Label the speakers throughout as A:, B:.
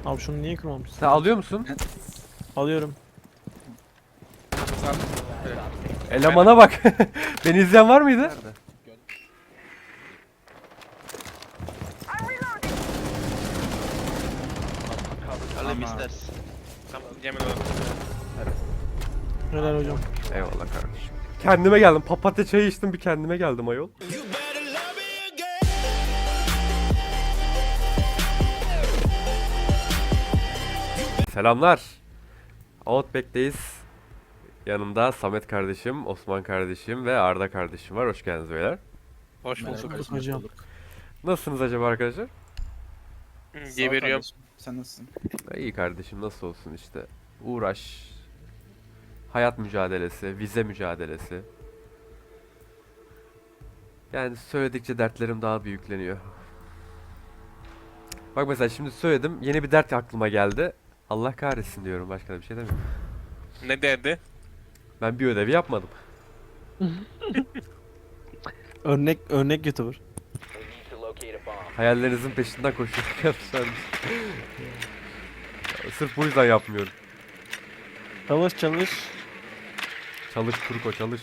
A: Abi şunu niye kırmamışsın?
B: Sen alıyor musun?
A: Alıyorum.
C: Sen evet.
B: Elemana bak. Beni izleyen var mıydı?
C: Nerede?
D: Alayım
C: Ama-
D: istersin.
E: Tamam Cemil oğlum.
A: Helal hocam.
B: Eyvallah kardeşim. Kendime geldim. Papatya çayı içtim, bir kendime geldim ayol. Selamlar. Outback'teyiz. Yanımda Samet kardeşim, Osman kardeşim ve Arda kardeşim var. Hoş geldiniz beyler.
E: Hoş
C: Merhaba
E: bulduk.
C: kardeşim,
A: hocam.
C: hoş bulduk.
B: Nasılsınız acaba arkadaşlar?
C: Sağ ol
E: Geberiyorum.
C: kardeşim. Sen nasılsın?
B: İyi kardeşim, nasıl olsun işte. Uğraş. Hayat mücadelesi, vize mücadelesi. Yani söyledikçe dertlerim daha büyükleniyor. Bak mesela şimdi söyledim, yeni bir dert aklıma geldi. Allah kahretsin diyorum, başka da bir şey demiyorum.
E: Ne derdi?
B: Ben bir ödevi yapmadım.
A: Örnek YouTuber.
B: Hayallerinizin peşinden koşuyorsunuz arkadaşlar. Sırf bu yüzden yapmıyorum.
A: Çalış çalış.
B: Çalış Turko, çalış.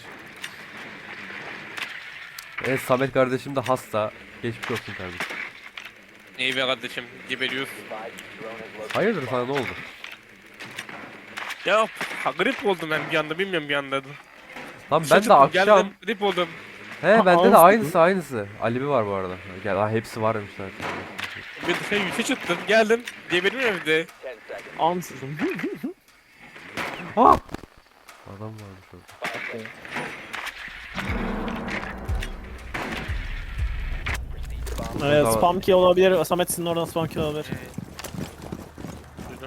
B: Evet, Samet kardeşim de hasta. Geçmiş olsun kardeşim.
E: İyi be kardeşim. Geberiyoruz.
B: Hayırdır, sana ne oldu?
E: Ya grip oldum ben bir anda bilmiyorum bir anda.
B: Lan ben de akşam...
E: Geldim grip oldum.
B: He, bende de
A: Ağız-
B: aynısı. Alibi var bu arada. Gel, ha, hepsi varmış zaten.
E: Bir dışarı yürüyüşe çıktım geldim. Geberiyorum evde.
A: Ansızın.
B: Ha! Adam varmış orada.
A: Evet,
B: Tamam.
A: spam kill olabilir. Samet sizin oradan spam kill olabilir.
E: Duydum.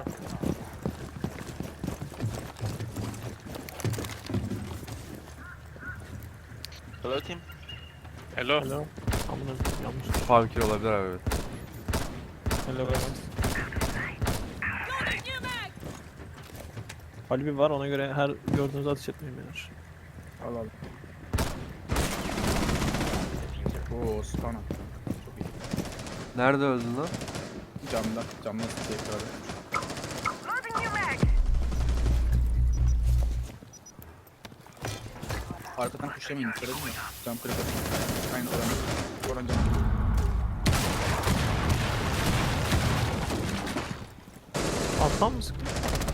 D: Hello team.
E: Hello.
A: Hello. Amına yanlış.
B: Funkir olabilir abi, evet.
A: Hello guys. Alibi var, ona göre her gördüğünüzü ateş etmeyin beyler.
C: Al al. Oo, spawn attı. Çok iyi.
B: Nerede öldün lan?
C: Camda tekrar. Arkadan kuşlamayın, söyledim ya. Cam kırık. Aynı oran cam.
A: Alttan mı sıktın?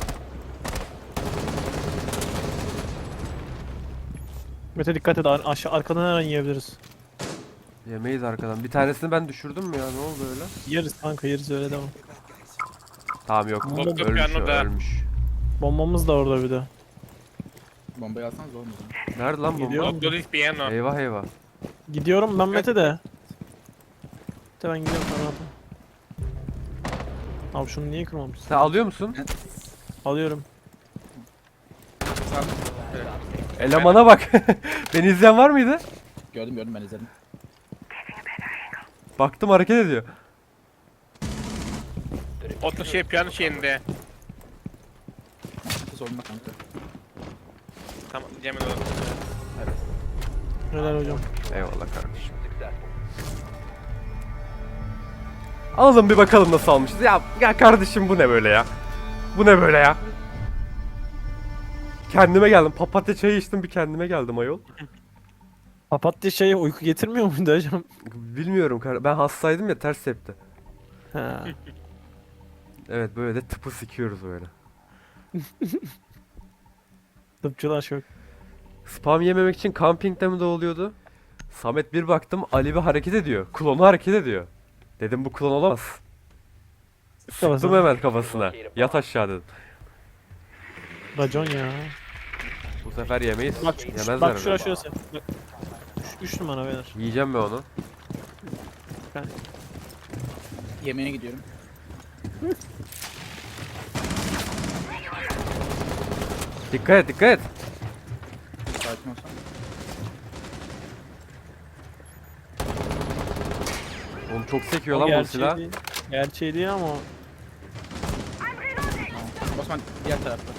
A: Mete dikkat et, aşağı arkadan her an yiyebiliriz.
B: Yemeyiz arkadan. Bir tanesini ben düşürdüm mü ya? Ne oldu öyle?
A: Yeriz kanka, yeriz, öyle devam.
B: Tamam, yok.
A: Yok,
B: Ölmüş o,
E: piyano da.
B: ölmüş.
A: Bombamız da orada bir de.
C: Bombayı alsanız olmuyor.
B: Nerede lan
A: Gidiyor.
B: bomba?
E: Doktor piano.
B: Eyvah eyvah.
A: Gidiyorum ben Mete de. Mete ben gidiyorum sana rahatım. Abi şunu niye kırmamışsın?
B: Sen alıyor musun?
A: Alıyorum.
C: Sen evet.
B: Elemana bak. Beni izleyen var mıydı?
C: Gördüm ben izledim.
B: Baktım, hareket ediyor.
E: Oto piyano şeyinde.
C: Sorma kanka.
E: Tamam Cemil oğlum.
A: Helal hocam.
B: Eyvallah kardeşim. Alalım bir bakalım nasıl almışız. Ya kardeşim, bu ne böyle ya? Bu ne böyle ya? Kendime geldim. Papatya çayı içtim, bir kendime geldim ayol.
A: Papatya şey uyku getirmiyor muydu hocam?
B: Bilmiyorum, ben hastaydım ya, ters tepti.
A: Ha.
B: Evet, böyle de tıpı sikiyoruz böyle.
A: Tıpçılar şok.
B: Spam yememek için kampingde mi doğuluyordu? Samet, bir baktım Ali bir hareket ediyor. Klonu hareket ediyor. Dedim bu klon olamaz. Sıktım
A: Kafasına.
B: hemen kafasına. Yat aşağı dedim.
A: Racon ya.
B: Bu sefer yemeyiz.
A: Bak,
B: Yemezler
A: bak
B: mi?
A: şurası. Bak. 3 numara beyler.
B: Yiyeceğim ben onu.
C: Yemeğe gidiyorum.
B: Dikkat et, dikkat et.
C: Sakin olsan.
B: Oğlum çok sekiyor
A: O
B: lan bu
A: gerçeği
B: silah.
A: değil. Gerçeği değil ama
C: Osman diğer tarafta.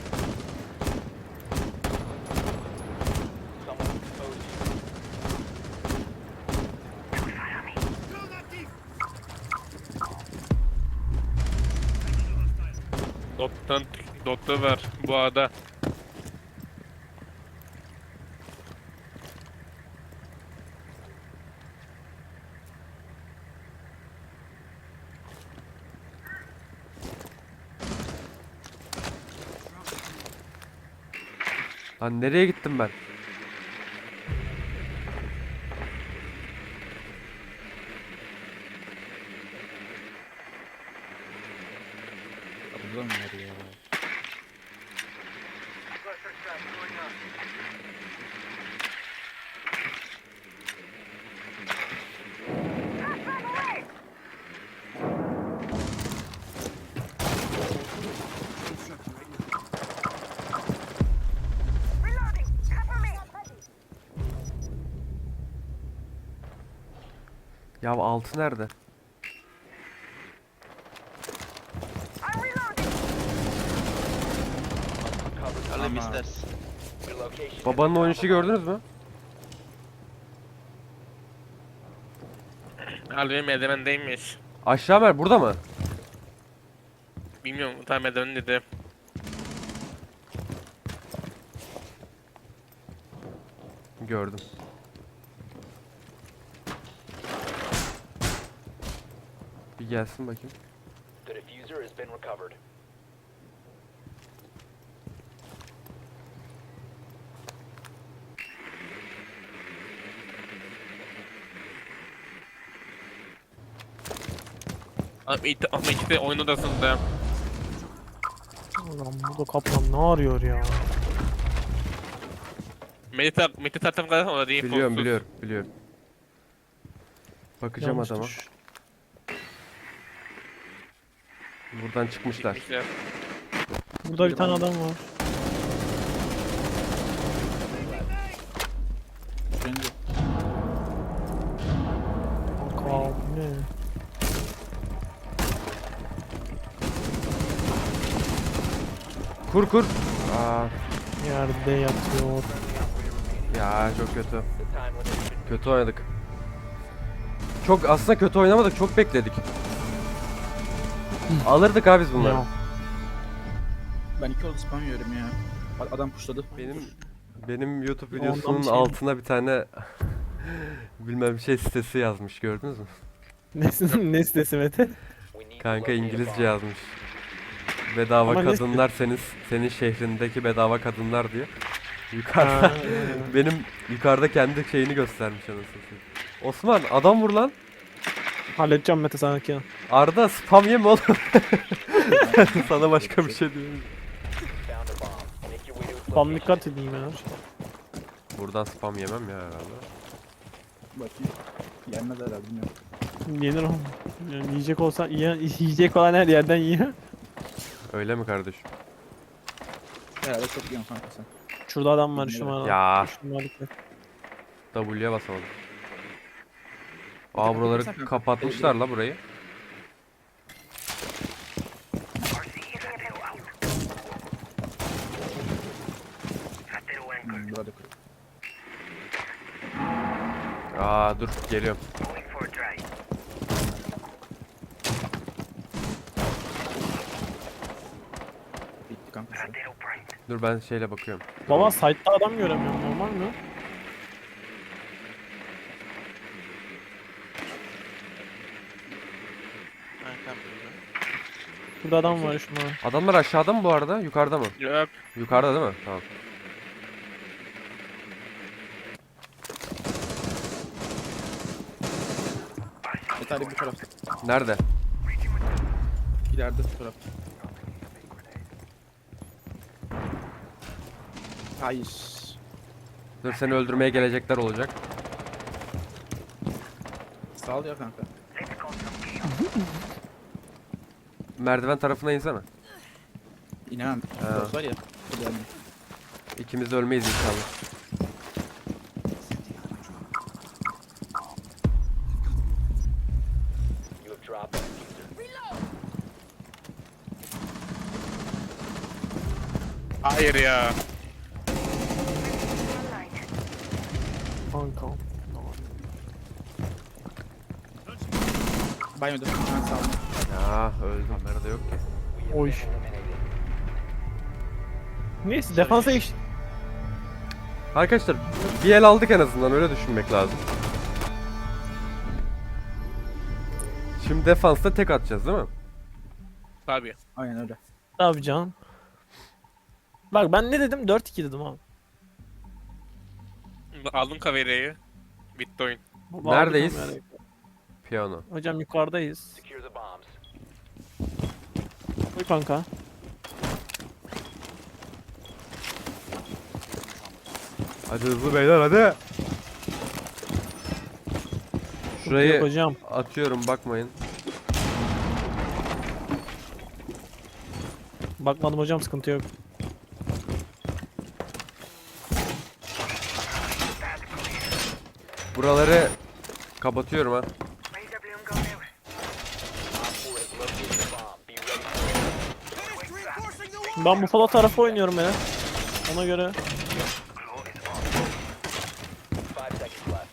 E: Doktor var bu arada.
B: Lan nereye gittim ben?
C: Burada mı var ya?
B: Ya altı nerede?
D: Ali
C: Ama-
D: misters.
B: Babanın oynayışı gördünüz mü?
E: Ali merdivendeymiş.
B: Aşağı ver burada mı?
E: Bilmiyorum tam merdiven dedi.
B: Gördüm. Bir gelsin bakayım.
F: The diffuser has been recovered.
E: Ama ikisi de oyun odasında.
A: Ulan burada kaplan ne arıyor ya?
E: Mete tarafı kadar o da değil.
B: Biliyorum
E: kolsuz.
B: biliyorum. Bakacağım
A: Yanlış
B: adama.
A: tuş.
B: Buradan çıkmışlar.
E: Gitmişler.
A: Burada bir tane adam var.
C: Bence
A: Kanka bu ne?
B: Kur kur. Aa,
A: Yerde yatıyor.
B: ya çok kötü.
F: The time limit should
B: Kötü oynadık. Çok aslında kötü oynamadık. Çok bekledik. Alırdık abi biz bunları.
A: Ya.
C: ben 2 oldu spam yiyorum ya. Adam pushladı.
B: Benim YouTube
A: Ondan
B: videosunun
A: bir şey-
B: altına bir tane bilmem şey sitesi yazmış, gördünüz mü?
A: Ne sitesi Mete?
F: we need to
B: Kanka
F: locate a
B: İngilizce
F: bomb.
B: yazmış. Bedava
A: Ama ne
B: kadınlar senin şehrindeki bedava kadınlar diye. Yukarıda
A: Ha,
B: benim yukarıda kendi şeyini göstermiş anasını satayım. Osman adam vur lan.
A: halledeceğim Mete sanki.
B: Arda spam yeme oğlum. Sana başka bir şey diyeyim.
F: Found a bomb. Make your way to its
A: Tam
F: location.
A: dikkat edeyim ya.
B: Buradan spam yemem ya herhalde.
C: Bakayım. Yenmez herhalde bilmiyorum.
A: Yenir oğlum. Yani yiyecek olsa yiyecek olan her yerden yiyor.
B: Öyle mi kardeşim?
C: Herhalde çok yiyorsun kanka sen.
A: Şurada adam var şu numara.
B: Ya
A: Şu numara dikkat.
B: W'ye basamadım. Aa buraları kapatmışlar la burayı.
C: Burada kırık.
B: Aa dur geliyorum.
C: Bitti kanka şu.
B: Dur ben şeyle bakıyorum.
A: Baba site'da adam göremiyorum, normal mi?
D: Kankam.
A: Burada adam var şu numara.
B: Adamlar aşağıda mı bu arada? Yukarıda mı?
E: Yok.
B: Yukarıda değil mi? Tamam.
C: Yeterli bu tarafta.
B: Nerede?
C: İleride bu tarafta. Hayır.
B: Dur seni öldürmeye gelecekler olacak.
C: Sağ ol ya kanka.
B: Merdiven tarafına insene.
C: İnemem. Burası var ya. Hadi yani.
B: İkimiz de ölmeyiz inşallah.
F: You have dropped the diffuser.
E: Hayır ya.
A: Kanka.
C: Banyoda. Ben sağ ol.
B: Ya öldüm. Nerede yok ki?
F: We have
A: Oy.
F: been eliminated.
A: Neyse defansa iş.
B: Arkadaşlar bir el aldık en azından, öyle düşünmek lazım. Şimdi defansta tek atacağız değil mi?
E: Tabii.
C: Aynen öyle.
A: Abi canım. Bak ben ne dedim? 4-2 dedim abi.
E: Aldın kavereyi. Bitti oyun.
B: Neredeyiz?
A: Vallahi bilmiyorum
B: Piyano.
A: yani. Hocam yukarıdayız.
F: Secure the bombs.
A: Buyur kanka.
B: Hadi hızlı beyler hadi. Şurayı
A: Yok hocam.
B: atıyorum, bakmayın.
A: Bakmadım hocam, sıkıntı yok.
B: Buraları kapatıyorum ha.
F: Op 4 has located the bomb. Be ready for it.
A: Ben Buffalo tarafı oynuyorum ya. Ona göre.
F: 5 seconds left.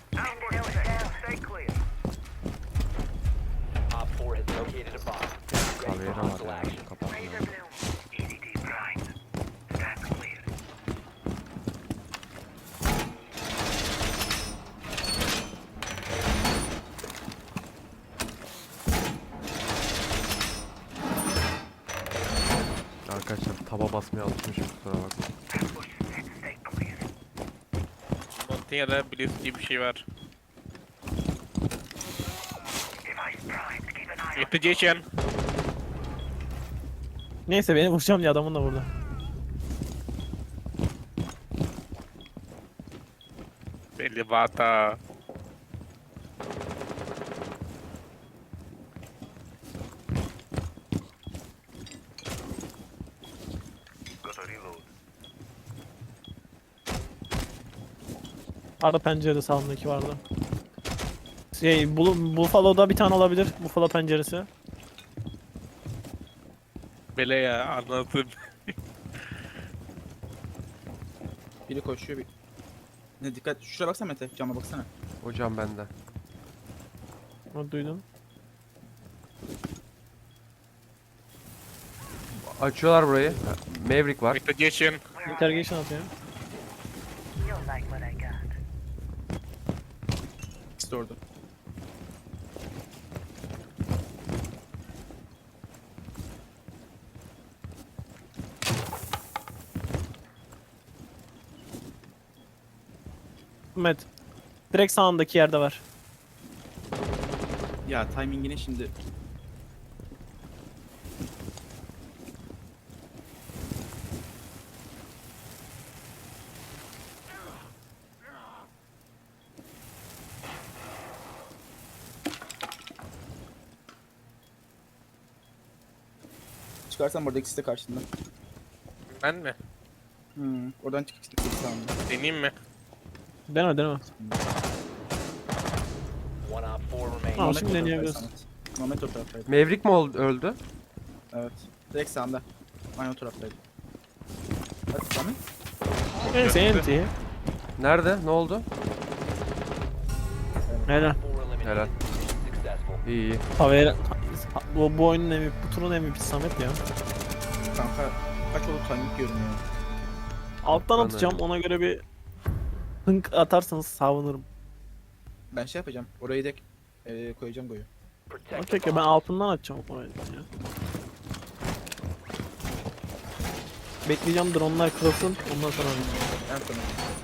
F: Op 4 has located a bomb. Be ready
B: Kamera
F: for hostile
B: var ya,
F: action.
B: kapatmıyorum. Arkadaşlar taba basmaya alışmışım, kusura bakmayın.
E: Montanya'da Blitz diye bir şey var. Yeteceğim.
A: Neyse beni vuracağım diye adamın da burada.
E: Belli bata.
A: Arada pencerede sağımdaki vardı. Buffalo'da bir tane olabilir. Buffalo penceresi.
E: Bele ya anladım.
C: Biri koşuyor bir. Ne dikkat. Şuraya baksana Mete. Cama baksana.
B: Hocam bende.
A: Onu duydum.
B: Açıyorlar burayı. Maverick var.
E: Yeteceğim.
A: Interrogation atıyor.
C: İkisi de orada.
A: Met. Direkt sağındaki yerde var.
C: Ya timingine şimdi. Çıkarsan burada ikisi de karşında.
E: Ben mi?
C: Oradan çık ikisi de sağında.
E: Deneyeyim mi?
A: Deneme.
F: One Op 4 remaining.
A: Tamam,
C: Mehmet
A: şimdi
C: o taraftaydı,
A: deneyebiliriz.
C: Samet. Mehmet o taraftaydı.
B: Maverick mi öldü?
C: Evet. Direkt sağında. Aynı o taraftaydı. Hadi Samet.
A: Neyse enti.
B: Nerede? Ne oldu?
A: Helal.
F: 4 eliminated.
B: Helal.
F: Successful.
B: İyi iyi.
A: Haber. Bu oyunun MVP, bu turun MVP Samet ya.
C: Kanka kaç oldu timing görünüyor.
A: Alttan
B: Ben
A: atacağım,
B: öyle.
A: ona göre bir hınk atarsanız savunurum.
C: Ben şey yapacağım. Orayı da koyacağım goyu.
F: Protect
A: Okey
F: the
A: ben
F: bomb.
A: altından atacağım orayı ya. Bekleyeceğim dronlar kırılsın, ondan sonra atacağım.
C: En sona.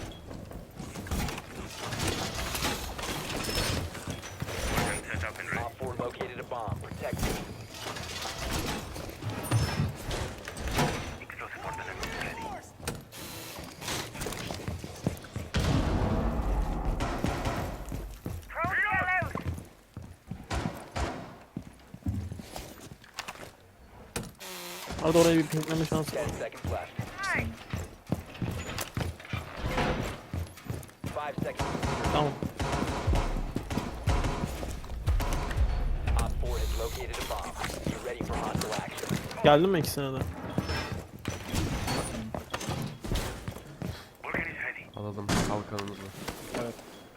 F: Op 4 located a bomb. Protect it.
A: Arada oraya bir pinkleme şansı
F: 10
A: var.
F: seconds left. 5 seconds.
A: Tamam.
F: Op 4 has located a bomb. Be ready for hostile action.
A: Geldin mi ikisine de?
B: Alalım kalkanımızı.
C: Evet.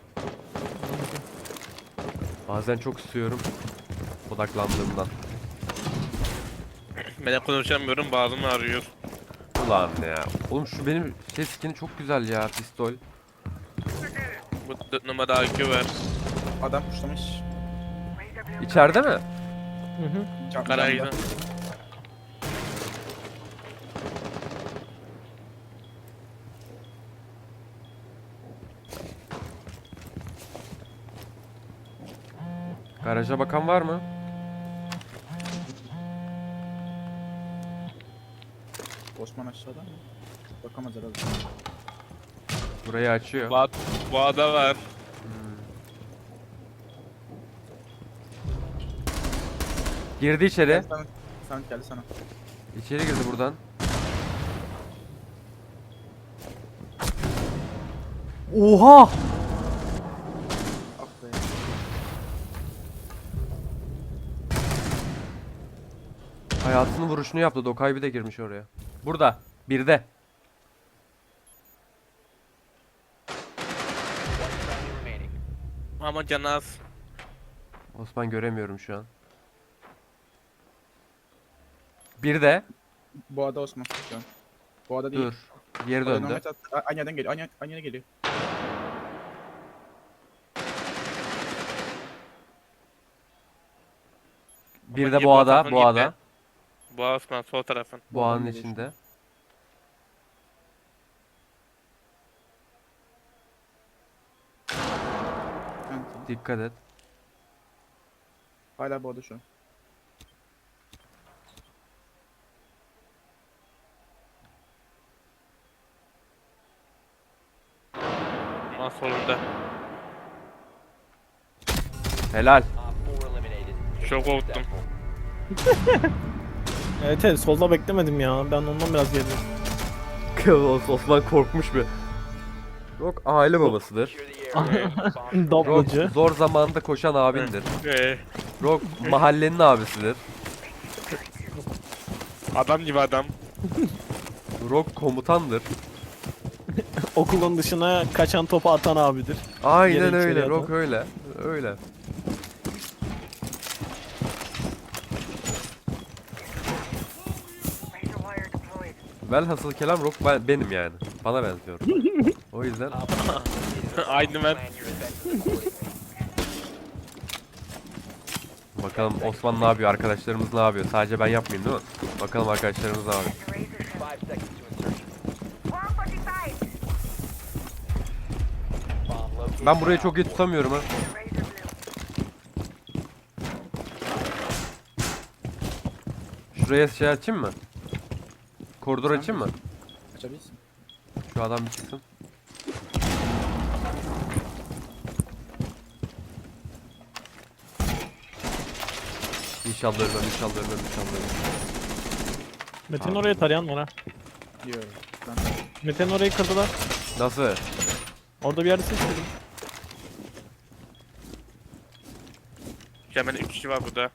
B: Bazen çok istiyorum. Odaklandığımdan.
E: Ben de konuşamıyorum, bağrım ağrıyor.
B: Ulan ya. Oğlum şu benim şey skin'i çok güzel ya, pistol.
E: Bu 4 numara IQ var.
C: Adam puşlamış.
B: İçeride mi?
A: Hı hı.
E: Garajda.
C: Camda.
B: Garaja bakan var mı?
C: Osman aşağıda mı? Bakamaz herhalde.
B: Burayı açıyor.
E: Boğada var.
B: Girdi içeri.
C: Samet geldi sana.
B: İçeri girdi buradan. Oha!
C: Ah be.
B: Hayatının vuruşunu yaptı. Dokay bir de girmiş oraya. Burada. Birde.
F: Remaining.
E: Ama canı az.
B: Osman göremiyorum şu an. Birde.
C: Boğada Osman şu an. Boğada değil.
B: Dur. Geri
C: Boğada
B: döndü.
C: nomad attı. Aynı yerden geliyor. Aynı yere geliyor.
B: Bir de
E: Ama
B: boğada.
E: tarafın
B: Boğada.
E: gitti. Boğa Osman sol tarafın.
B: Boğanın
C: geliyor
B: içinde.
C: Evet.
B: Dikkat et.
C: Hala boğada şu an.
E: Ama solunda.
B: Helal.
F: Op 4 eliminated.
E: Çok korktum.
A: Evet evet solda beklemedim ya. Ben ondan biraz geriyim.
B: Osman korkmuş bir. Rock aile babasıdır.
F: Secure the area. Bomb
B: Rock
A: Doblacı.
B: zor zamanda koşan abindir.
E: Ee,
B: Rock mahallenin abisidir.
E: adam gibi adam.
B: Rock komutandır.
A: Okulun dışına kaçan topu atan abidir.
B: Aynen
A: Yere
B: öyle.
A: içeri
B: Rock
A: atan.
B: öyle. Öyle. Velhasıl kelam Rock benim yani. Bana benziyor. O yüzden
E: Aynı ben.
F: plan your events accordingly.
B: bakalım Osman ne yapıyor, arkadaşlarımız ne yapıyor? Sadece ben yapmayayım değil mi? Bakalım arkadaşlarımız ne yapıyor.
F: 5 seconds to insertion. Bomb located.
B: Ben burayı çok iyi tutamıyorum ha. Şuraya şey açayım mı? Koridor açayım mı?
C: Açabilirsin.
B: Şu adam bir çıksın. İnşallah ölmem, inşallah ölmem, inşallah ölmem.
A: Mete'nin
B: Abi.
A: oraya tarayan var ha.
C: Diyor. Ben
A: Mete'nin orayı kırdılar.
B: Nasıl?
A: Orada bir yerde ses duydum.
E: Hemen 3 kişi var burada.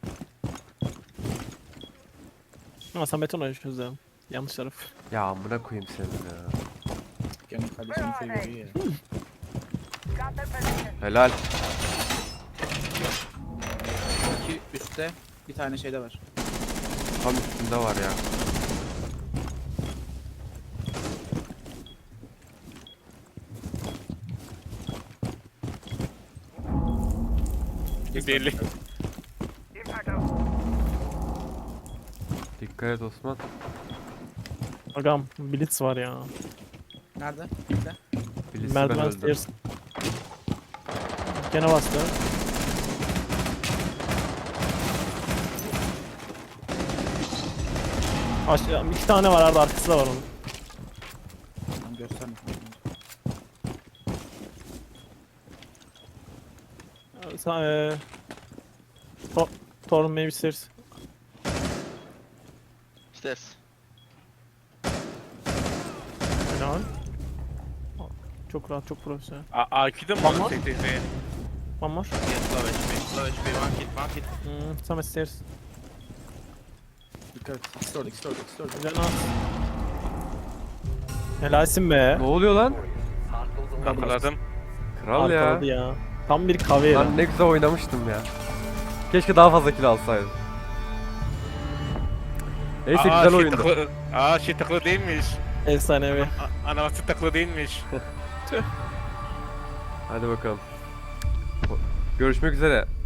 A: Ama sen Mete'nin orayı çözdüm. Yanlış taraf.
B: Ya amına koyayım seni ya.
C: kendi kardeşini seviyor ya.
B: Helal.
C: İki üstte bir tane şeyde var.
B: Tam üstünde var ya.
E: Deli.
B: Dikkat et Osman.
A: Agam Blitz var ya.
C: Nerede? Bekle.
B: Bilirsin ben
A: Merdiven
B: öldüm.
A: stairs. Gene bastı. Aşağı iki tane var arada arkası da var onun.
C: Tamam gösterme.
A: Sen Torun maybe stairs.
D: Stairs.
A: Helal. Çok rahat, çok profesyonel.
E: IQ'da mı
A: Tamam.
E: var? Tek tek tek.
A: One more.
D: Yes, low HP. Low HP. One hit.
A: Some stairs.
C: Dikkat et. İkisi de orada, ikisi de orada, ikisi de orada.
A: Güzel at. Helalsin be.
B: Ne oluyor lan?
F: Hostiles eliminated.
E: Yakaladım.
B: Kral ya.
A: Arkaladı ya. Tam bir kavera.
B: Lan ne güzel oynamıştım ya. Keşke daha fazla kill alsaydım. Neyse
E: Aa,
B: güzel
E: şey
B: oyundu.
E: tıklı, şey tıklı değilmiş.
A: Efsanevi.
E: Anaması tıklı değilmiş.
B: Hadi bakalım. Görüşmek üzere.